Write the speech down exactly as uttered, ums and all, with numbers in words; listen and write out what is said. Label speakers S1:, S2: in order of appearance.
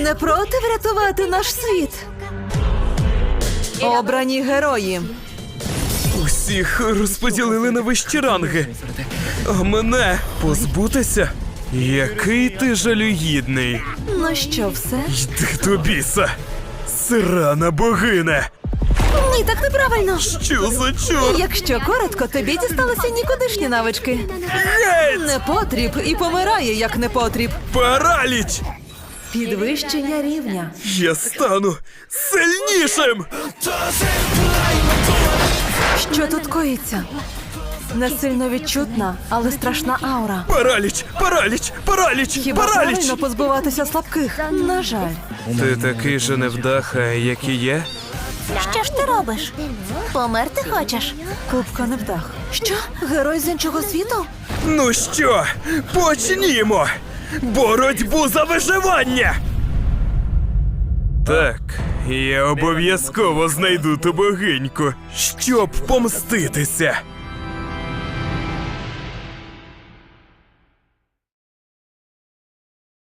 S1: не проти врятувати наш світ? Обрані герої.
S2: Усіх розподілили на вищі ранги. А мене позбутися? Який ти жалюгідний.
S1: Ну що, все?
S2: Йди до біса. Срана богине.
S1: Ні, так неправильно.
S2: Що за чорт?
S1: Якщо коротко, тобі дісталися нікудишні навички.
S2: Геть!
S1: Непотріб і помирає, як непотріб.
S2: Параліч!
S1: Підвищення рівня.
S2: Я стану сильнішим!
S1: Що тут коїться? Не сильно відчутна, але страшна аура.
S2: Параліч! Параліч! Параліч!
S1: Хіба
S2: Параліч!
S1: правильно позбуватися слабких? На жаль.
S2: Ти такий же невдаха, як і є?
S1: Що ж ти робиш? Померти хочеш? Кубка невдах. Що? Герой з іншого світу?
S2: Ну що, почнімо! Боротьбу за виживання! Так, я обов'язково знайду ту богиньку, щоб помститися.